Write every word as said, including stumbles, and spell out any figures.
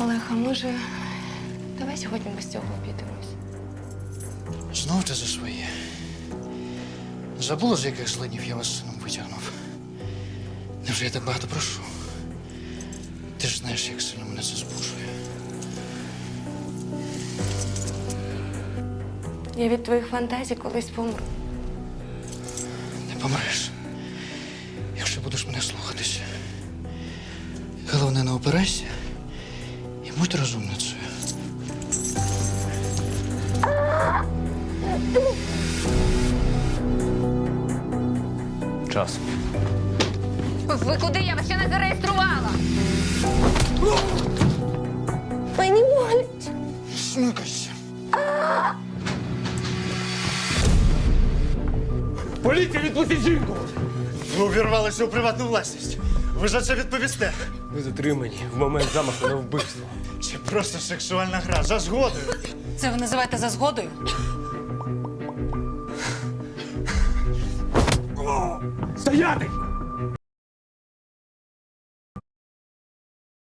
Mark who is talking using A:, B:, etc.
A: Олег, а може, давай сьогодні без цього обійдемось?
B: Знов ти за своє. Забула, з яких злинів я вас з сином витягнув? Невже я так багато прошу? Ти ж знаєш, як сильно мене це збуджує.
A: Я від твоїх фантазій колись помру.
B: Не помреш, якщо будеш мене слухатися. Головне, не опирайся і будь розумницею.
C: Час.
D: Ви куди? Я вас ще не зареєструвала.
A: Мені болить.
B: Смикайся.
C: Поліція, відпустіть жінку!
B: Ви увірвалися у приватну власність. Ви за це відповісте.
C: Ви затримані в момент замаху на вбивство.
B: Це просто сексуальна гра за згодою.
D: Це ви називаєте за згодою?
C: Стояти!